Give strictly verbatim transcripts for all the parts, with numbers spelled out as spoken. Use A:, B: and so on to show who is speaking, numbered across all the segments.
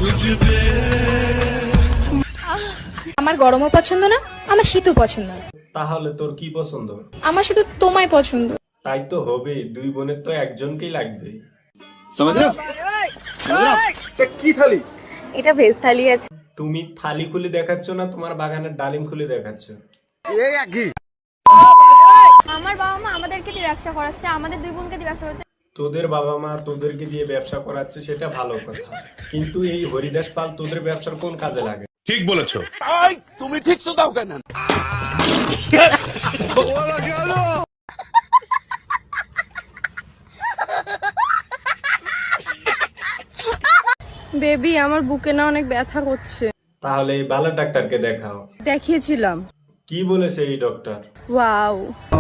A: আমার গরমও পছন্দ না, আমার শীতও পছন্দ না।
B: তাহলে তোর কি পছন্দ?
A: আমার শুধু তোমায় পছন্দ।
B: তাই তো হবে, দুই বোনের তো একজনকেই লাগবে।
C: কি থালি?
A: এটা ভেজ থালি আছে।
B: তুমি থালি খুলে দেখাচ্ছ না তোমার বাগানের ডালিম খুলে দেখাচ্ছ?
C: এই একই।
D: আমার বাবা মা আমাদেরকে দিয়ে ব্যবসা করাচ্ছে, আমাদের দুই বোনকে দিয়ে ব্যবসা করছে।
B: তোদের বাবা মা তোদেরকে দিয়ে ব্যবসা করাচ্ছে সেটা ভালো কথা, কিন্তু এই হরিদাস পাল তোদের ব্যবসার কোন কাজে লাগে?
E: ঠিক বলেছো।
C: তুমি ঠিক তো দাও কেন?
A: বেবি, আমার বুকে না অনেক ব্যথা করছে।
B: তাহলে এই ভালো ডাক্তারকে দেখাও।
A: দেখিয়েছিলাম।
B: কি বলেছে এই ডক্টর?
A: ওয়াও।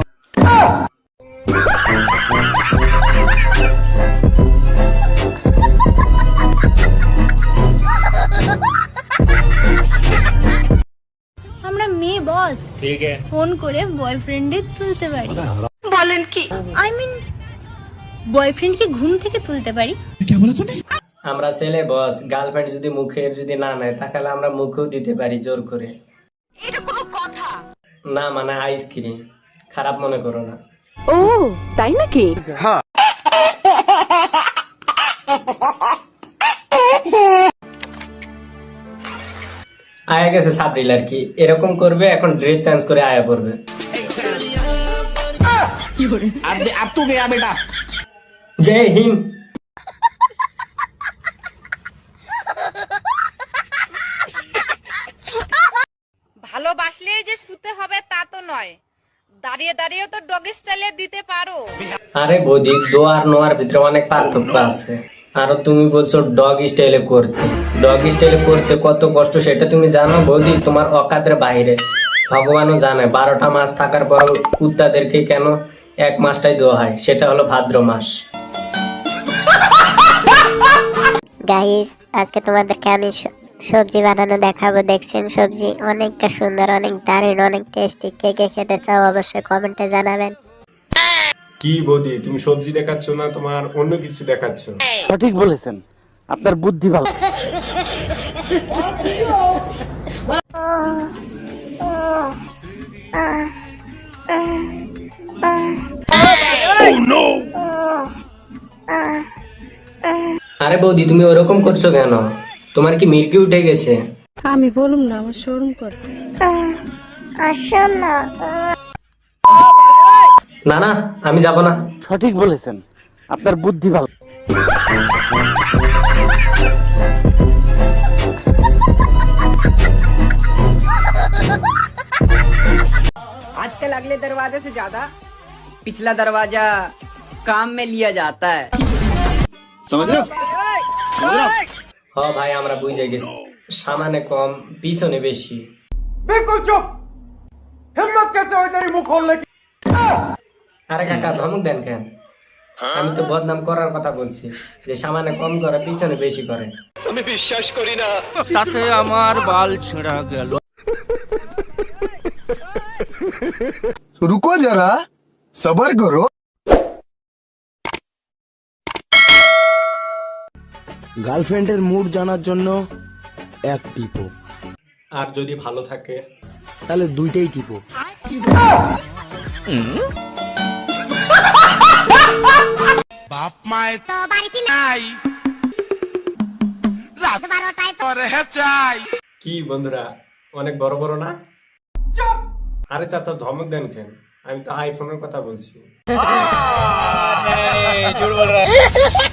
F: আমরা মেয়ে বস,
E: ঠিক আছে,
F: ফোন করে বয়ফ্রেন্ডে তুলতে পারি। বলেন কি? আই মিন বয়ফ্রেন্ডকে ঘুম থেকে তুলতে পারি।
G: আমরা ছেলে বস, গার্লফ্রেন্ড যদি মুখের যদি না নেয় তাহলে আমরা মুখেও দিতে পারি জোর করে।
F: এটা কোনো কথা?
G: না মানে আইসক্রিম, খারাপ মনে করো না।
A: ও তাই নাকি?
G: আয়া গেছে সাবরিল আর কি, এরকম করবে এখন ড্রেস চেঞ্জ করে আয়া পড়বে। জয় হিন্দ।
H: ভালোবাসলেই যে শুতে হবে তা তো নয়, দাঁড়িয়ে দাঁড়িয়েও তো ডগি স্টাইলে দিতে পারো।
G: আরে বৌদি, দোয়ার নোয়ার ভিতরে অনেক পার্থক্য আছে। আর তুমি বলছো ডগ স্টাইলে করতে, ডগ স্টাইলে করতে কত কষ্ট সেটা তুমি জানো বৌদি? তোমার অকাদের বাইরে, ভগবানও জানে বারোটা মাস থাকার পর কুত্তাদেরকে কেন এক মাসটাই দেওয়া হয়, সেটা হলো ভাদ্র মাস।
I: গাইস, আজকে তোমাদেরকে আমি সবজি বানানো দেখাবো। দেখছেন সবজি অনেকটা সুন্দর, অনেক দারুণ, অনেক টেস্টি। কে কে খেতে চাও অবশ্যই কমেন্টে জানাবেন।
B: কি বৌদি, তুমি সবজি দেখাচ্ছ না তোমার অন্য কিছু দেখাচ্ছ?
J: সঠিক বলেছেন, আপনার বুদ্ধি ভালো।
G: আরে বৌদি, তুমি ওরকম করছো কেন? তোমার কি মির্কি উঠে গেছে?
A: আমি বলুম না, আমার শরম করে।
I: আসো না।
G: না না, আমি যাব না।
J: সঠিক বলেছেন, আপনার বুদ্ধি ভালো।
K: आजकल अगले दरवाजे से ज्यादा पिछला दरवाजा काम में लिया जाता है।
C: समझ रहे हो?
G: হ ভাই, আমরা বুঝে গেছি, সামানে কম পিছনে বেশি।
C: बिल्कुल चुप। हिम्मत कैसे हुई तेरी मुंह खोलने की?
G: আরে কাকা, ধমক দেন কেন? আমি তো বদনাম করার কথা বলছি, যে সামানে কম করে পিছনে বেশি করে।
E: আমি বিশ্বাস করি না।
J: তাতে আমার বাল ছেঁড়া গেল।
C: रुको जरा, सबर करो।
J: গার্লফ্রেন্ডের মুড জানার জন্য এক টিপো,
B: আর যদি ভালো থাকে
J: তাহলে দুইটাই টিপো।
E: বাপ মায়ের তো বাড়িতে নাই, রাত বারোটায় তো রেহে চাই।
B: কি বন্ধুরা, অনেক বড় বড় না? আরে চাচা, ধমক দেন কেন? আমি তো আইফোনের কথা বলছি।